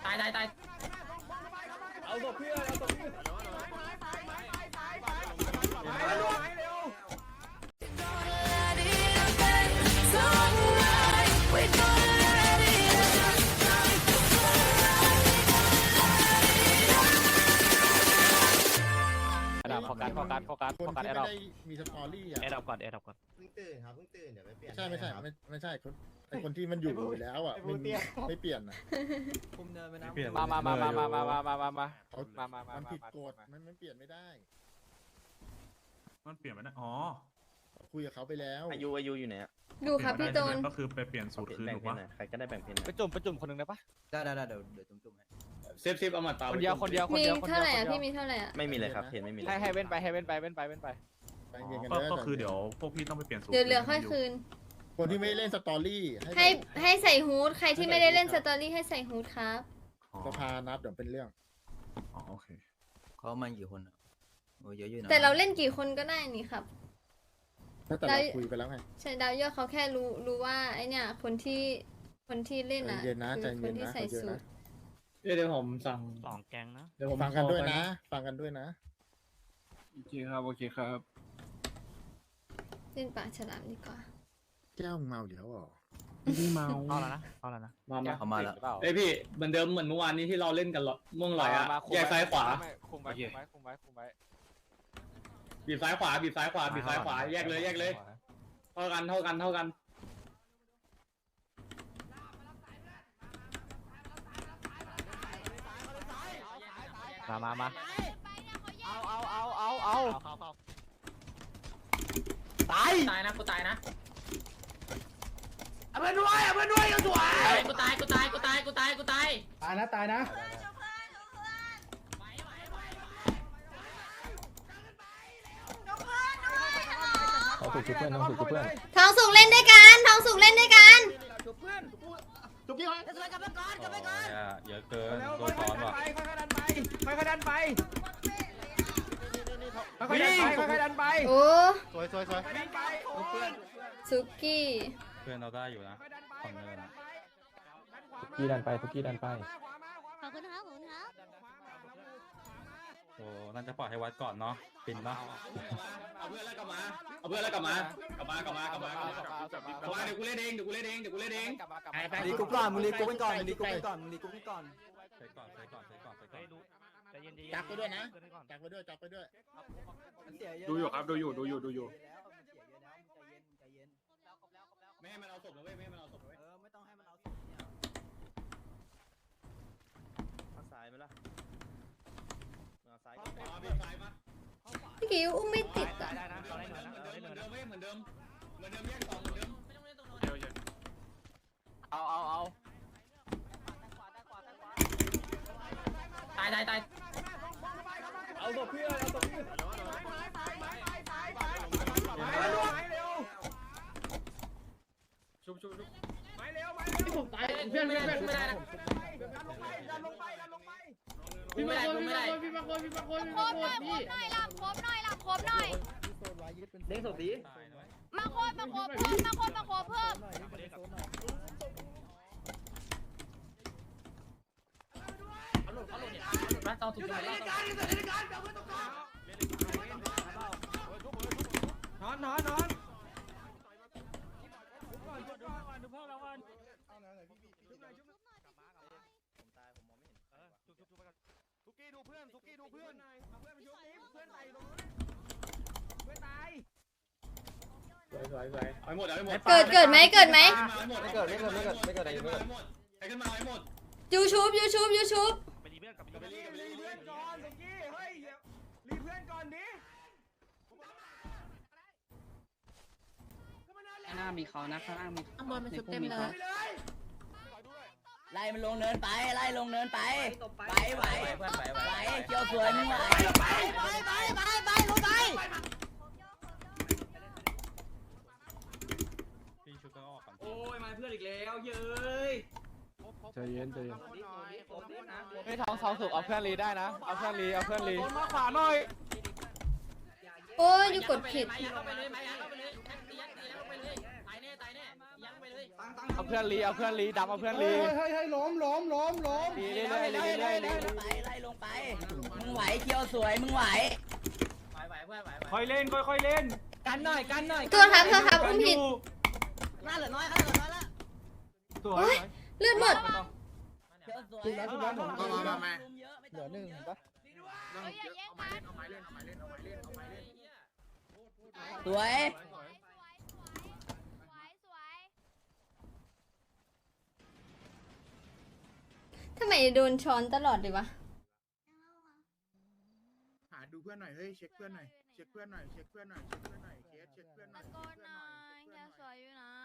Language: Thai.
ตายเอาศพเพื่อนเอาศพเพื่อนโฟกัสแอร์ดรอปมีสตอรี่อ่ะแอร์ดรอปก่อนเพิ่งตื่นครับเพิ่งตื่นเดี๋ยวไปเปลี่ยนไม่ใช่ไอคนที่มันอยู่แล้วอ่ะไม่เปลี่ยนอ่ะคุมเนินไปนะมามันผิดกฎมันเปลี่ยนไม่ได้มันเปลี่ยนไปนะอ๋อคุยกับเขาไปแล้วอายุอยู่ไหนดูครับพี่โตนก็คือไปเปลี่ยนสูตรคืนแบ่งถูกเพนปะหน่อยใครก็ได้แบ่งเพนไปจุ่มคนนึงได้ปะได้เดี๋ยวจุ่มให้เซฟเอามาตาคนเดียวมีเท่าไหร่อ่ะพี่มีเท่าไหร่อ่ะไม่มีเลยครับเพนไม่มีเลยให้เว้นไปใจเย็นกันก็คือเดี๋ยวพวกพี่ต้องไปเปลี่ยนสูตรเดี๋ยวเหลือค่อยคืนคนที่ไม่เล่นสตอรี่ให้ใส่ฮูดใครที่ไม่ได้เล่นสตอรี่ให้ใส่ฮูดครับสภานับเดี๋ยวเป็นเรื่องอ๋อโอเคเขามากี่คนอ่ะโอ้เยอะอยู่นะแต่เราเล่นกี่คนก็ได้นี่ครับแต่เราคุยไปแล้วไงใช่ดาวเยอะเขาแค่รู้ว่าไอเนี่ยคนที่เล่นอ่ะใจเย็นนะคือคนที่ใส่สูตรเดี๋ยวผมสั่ง 2 แกงนะเดี๋ยวผมฟังกันด้วยนะฟังกันด้วยนะโอเคครับเล่นปากฉลามดีกว่าแก้วเมาเดี๋ยวอ๋อพี่เมาเอาแล้วนะเขามาแล้วเอ้ยพี่เหมือนเดิมเหมือนเมื่อวานนี้ที่เราเล่นกันม่วงลอยอ่ะแยกซ้ายขวาคุมไว้บีบซ้ายขวาแยกเลยเท่ากันมาเอาตายนะกูตายนะเพื่อนด้วยกันสวยกูตายตายนะทองสุกเล่นด้วยกันเยอะเกินโดนซ้อนว่ะค่อยดันไปโอ้สวยสุกี้เพื่อนเราได้อยู่นะฝั่งเนินกี้ดันไปขอบคุณครับโอ้น่าจะปล่อยให้วัดก่อนเนาะปินเนาะเอาเพื่อนแล้วกลับมาเดี๋ยวกูเล่นเองรีกูก่อนมึงรีกูก่อนใช้ก่อนจับไปด้วยนะจับไปด้วยดูอยู่ครับดูอยู่ไม่ให้มันเอาศพนะเว้ยไม่ต้องให้มันเอาศพข้างซ้ายไหมล่ะมาซ้ายบีบซ้ายมาพี่กิวอุ้มไม่ติดอ่ะเหมือนเดิมแยกสองเหมือนเดิมเอาตายเอาศพเพื่อนชุบไม้เร็วที่ผมตายเพื่อนไม่ได้นะกูไม่ได้ครบหน่อยครบหน่อยหลับครบหน่อยเด้งศพดีมาโคบเพิ่มต้องถูกใจนอนสุกี้ดูเพื่อนเอาเพื่อนไปชุบนี้เพื่อนตายเอาหมดเกิดไหมไม่เกิดอะไรให้ขึ้นมาให้หมดยูชูบไปดีเพื่อนกับรีเพื่อนก่อนสุกี้เฮ้ยรีเพื่อนก่อนดิข้างหน้ามีเขานะข้างหน้ามีข้างบนมันชุบเต็มเลยไล่มันลงเนินไปไหวเกี่ยวสวยมึงไหวไปลงไปพี่ชุดก็ออกก่อนโอ้ยมาเพื่อนอีกแล้วเย้ยใจเย็นไม่ท้องสุกเอาเพื่อนรีได้นะเอาเพื่อนรีมาขวาหน่อยโอ้ยยูกดผิดเข้าไปเลยเข้าไปเลยตายแน่ยั้งไปเลยยั้งไปเลยเอาเพื่อนรีเอาเพื่อนรีดำเอาเพื่อนรีให้ล้มรีเรื่อยๆเรื่อยๆไล่ลงไปมึงไหวเคียวสวยมึงไหวค่อยเล่นค่อยเล่นกันหน่อยกันหน่อยตัวครับอุ้มผิดหน้าเหลือน้อยหน้าเหลือน้อยละตัวโอ๊ยเลือดหมดเคียวสวยถูกแล้วเยอะไม่เหลืต้อองหนึ่งเห็นปะสวยทำไมโดนช้อนตลอดเลยวะหาดูเพื่อนหน่อยเฮ้ยเช็คเพื่อนหน่อยเช็คเพื่อนหน่อยเคสเช็คเพื่อนหน่อยตะโกนหน่อยแค่สวยอยู่นะ